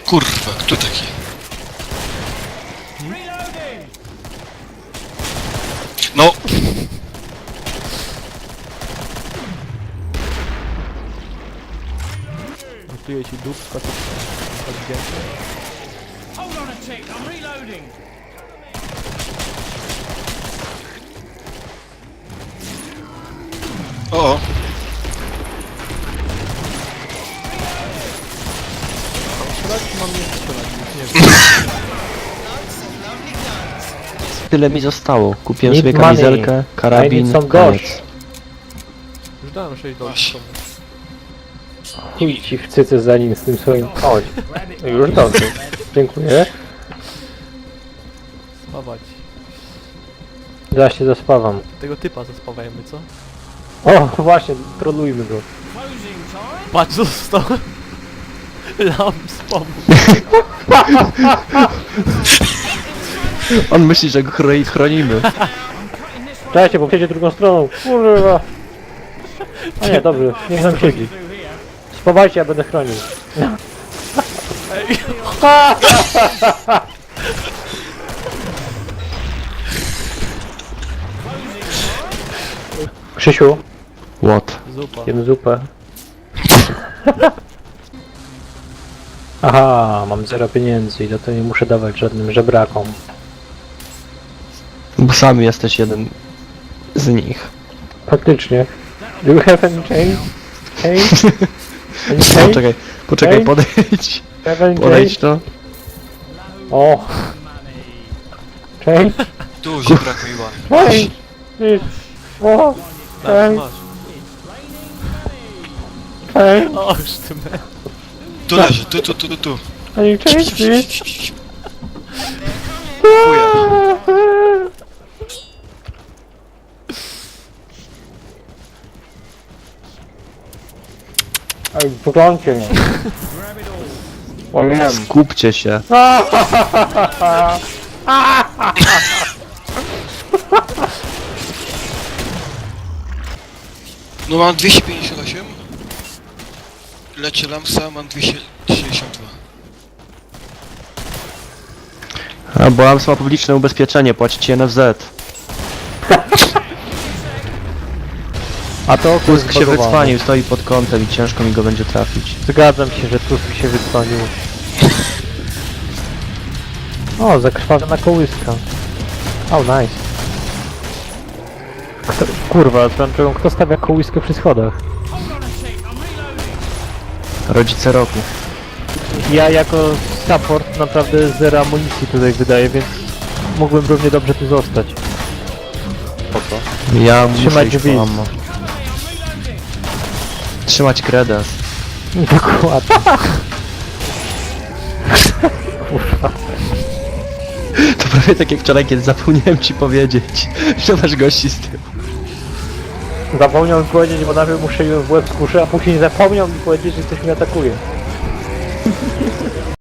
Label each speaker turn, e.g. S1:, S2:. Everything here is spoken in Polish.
S1: Kurwa, kto taki? No!
S2: Gotuję ci dupka, to odwdzięczę.
S3: Hold on a tick, I'm reloading.
S1: O!
S2: Strzelać mam nie strzelać, nic nie wiem.
S4: Tyle mi zostało. Kupiłem
S5: Need
S4: sobie
S5: money.
S4: kamizelkę,
S5: I
S4: karabin,
S5: need some
S4: koniec.
S5: dosh.
S2: Już dałem 6
S1: Właśnie.
S2: dolarów.
S5: Chuj ci w cyce za nim z tym swoim... Chodź. Już dobrze. Dziękuję.
S2: Spawać.
S5: Zaraz się zaspawam.
S2: Tego typa zaspawajmy, co?
S5: O, właśnie, trolujmy go.
S3: Closing time.
S2: Patrz, został. Lams pomógł.
S4: On myśli, że go chronimy.
S5: Czekajcie, bo przejdzie drugą stroną. Kurwa. A nie, dobrze, niech nam siedzi. Spawajcie, ja będę chronił.
S2: Ej,
S5: Krzysiu,
S4: What?
S2: zupa.
S5: jem zupę. Aha, mam 0 pieniędzy i za to nie muszę dawać żadnym żebrakom.
S4: Bo sam jesteś jeden z nich.
S5: Faktycznie. Do you have any change? Change? Any change?
S4: Poczekaj,
S5: Ej.
S4: podejdź.
S5: Have any
S4: Podejdź
S5: change?
S4: to.
S5: O! Change?
S1: Tu żebrak miła.
S5: Change! Please. O!
S2: Tak,
S5: Change!
S2: masz.
S5: Change!
S2: O, już ty me.
S1: Tu leży, tu.
S5: Any change, please?
S1: Chuja.
S5: Ej, poglądcie mnie. O nie.
S4: Skupcie się.
S1: No mam 258. Lecie Lamsa, mam 262.
S4: A bo Lams ma publiczne ubezpieczenie, płacicie NFZ.
S5: A to
S4: Tusk się wycwanił, stoi pod kątem i ciężko mi go będzie trafić.
S5: Zgadzam się, że Tusk się wycwanił. O, zakrwawiona kołyska. Oh, nice. Kurwa, swoją drogą, kto stawia kołyskę przy schodach?
S3: Hold on a tick, I'm reloading.
S4: Rodzice roku.
S5: Ja jako support naprawdę zero amunicji tutaj wydaję, więc mógłbym równie dobrze tu zostać. Po co?
S4: Ja muszę
S5: Trzymać
S4: iść
S5: drzwi.
S4: po ammo. Trzymać kredens.
S5: Dokładnie.
S4: To prawie tak jak wczoraj, kiedy zapomniałem ci powiedzieć, że masz gości z tyłu.
S5: Zapomniał mi powiedzieć, bo najpierw mu strzeliłem w łeb z kuszy, a później zapomniał mi powiedzieć, że ktoś mnie atakuje.